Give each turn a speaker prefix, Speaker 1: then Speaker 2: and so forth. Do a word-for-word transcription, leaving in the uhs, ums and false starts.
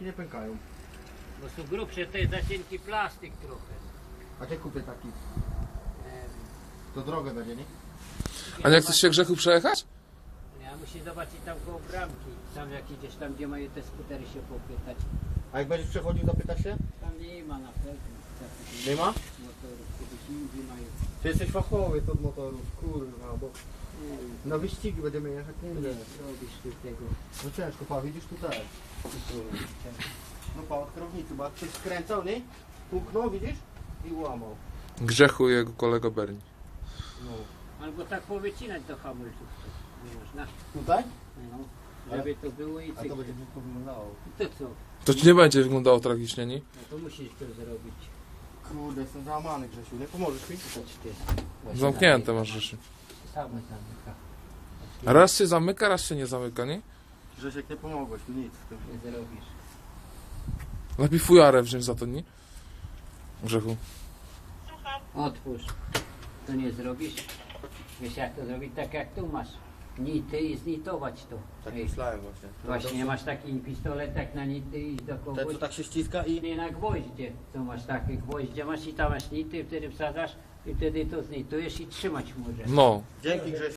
Speaker 1: nie pękają.
Speaker 2: Bo są grubsze, to jest za cienki plastik trochę.
Speaker 1: A gdzie kupię taki?
Speaker 2: Em,
Speaker 1: To drogę będzie, nie?
Speaker 3: A nie chcesz się Grzechu przejechać?
Speaker 2: Ja muszę zobaczyć tam koło bramki. Tam jak idziesz tam, gdzie mają te skutery się popytać.
Speaker 1: A jak będziesz przechodził, zapytasz się?
Speaker 2: Tam nie ma na pewno. takich
Speaker 1: Nie ma?
Speaker 2: Motorów, kiedyś indziej mają.
Speaker 1: Ty jesteś fachowiec od motorów, kurwa, bo
Speaker 2: Nie wiem,
Speaker 1: na wyścigi będziemy jechać, nie
Speaker 2: nie
Speaker 1: wiem.
Speaker 2: robisz tu tego.
Speaker 1: No ciężko, pa, widzisz tutaj. No pa, od kierownicy, bo jak ktoś skręcał, nie? Puknął, widzisz? I łamał.
Speaker 3: Grzechu i jego kolega Berni.
Speaker 1: No.
Speaker 2: Albo tak powycinać do hamulców. Nie można.
Speaker 1: Tutaj?
Speaker 2: No, żeby to było i
Speaker 1: A
Speaker 2: cyk.
Speaker 1: to będzie brzydko wyglądało.
Speaker 2: To co?
Speaker 3: To ci nie będzie wyglądało tragicznie, nie?
Speaker 2: No to musisz to zrobić.
Speaker 1: Kurde, jestem załamany, Grzesiu, nie pomożesz mi?
Speaker 2: Chodź ty.
Speaker 3: Zamknięte masz rzeczy.
Speaker 2: Same zamyka.
Speaker 3: Raz się zamyka, raz się nie zamyka, nie?
Speaker 1: Grzesiek, nie pomogłeś mi nic w tym.
Speaker 2: Nie zrobisz.
Speaker 3: Lepiej fujarę wziąć za to, nie? Grzechu.
Speaker 2: Otwórz. To nie zrobisz. Wiesz jak to zrobić? Tak jak tu masz. Nity i znitować to.
Speaker 1: Tak
Speaker 2: Ej,
Speaker 1: myślałem właśnie.
Speaker 2: Właśnie nie masz taki pistolet tak na nity i do
Speaker 1: Ten,
Speaker 2: kogoś.
Speaker 1: co tak się ściska i...
Speaker 2: Nie na gwoździe. Co masz takie gwoździe masz i tam masz nity, wtedy wsadzasz i wtedy to znitujesz i trzymać możesz.
Speaker 3: No.
Speaker 1: Dzięki, Grzesiu.